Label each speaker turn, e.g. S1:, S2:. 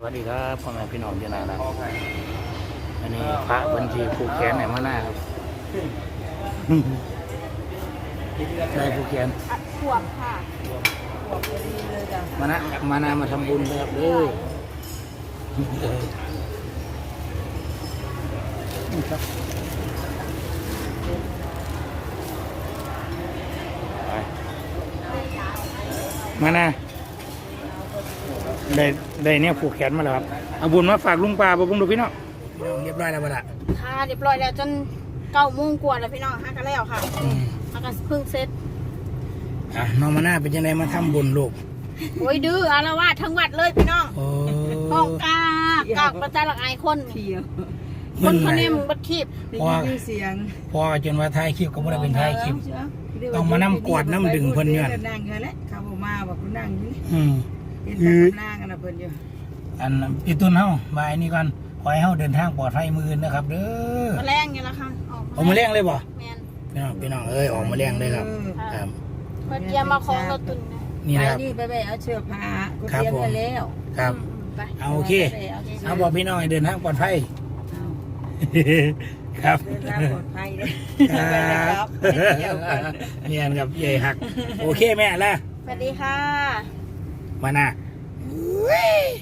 S1: สวัสดีครับพ่อแม่พี่น้องที่น่ารักอันนี้พระบัญชีผูกแขนไหนมาหน้าครับได้ผูกแขน
S2: ขวบค่ะ
S1: มานามาทำบุญครับเด้อครับมานาได้เนี่ยผูกแขนมาแล้วครับเอาบุญมาฝากลุงป้าบ่บุญดูพี่น้องเรียบร้อยแล้วบ่ล่ะ
S2: ค่ะเรียบร้อยแล้วจน9 โมงกว่าแล้วพี่น้องฮักกันแล้วค่ะฮักกันเพิ่งเสร็จ
S1: น้องมานาเป็นยังไงมาทำบุญลูก
S2: โอ้ยดื้ออารวาสทั้งวัดเลยพี่น้อง ห้องกากประจานหลักไอคนคนคนนี้มึงบัดคลิป
S1: เสียงพอจนว่าท้ายคลิปก็ไม่ได้เป็นท้ายคลิปต้องมานั่งกวาดน้ำดึงเพิ่นเนี่ย
S3: นั่งกันแหละเขาบอกมาบอกคุณนั่งอยู่นี่นั่งกันนะเพิ่นอยู่
S1: อันอีตุนเฮามาอันนี้ก่อนขอให้เฮาเดินทางปลอดภัยมื้ออื่นนะครับเด้อ
S2: มาแรงไงล่ะค่ะ
S1: ออกมาแรงเลยบ่
S2: แม่น
S1: พี่น้องออกมาแรงเลยครับ
S2: ครับเพิ่นเตรียมมาของรถตุน
S1: นี่นะครับ
S3: นี่ไปเอาเชือกผ้ากูเตรียมไว้แล้ว
S1: ครับเอาโอเคเอาบอกพี่น้องให้เดินทางปลอดภัยครับ
S3: เดินทางปลอดภัยเลย
S1: ครับเนี่ยครับใหญ่หักโอเคแม่ละ
S2: สวัสดีค่ะ
S1: มานะ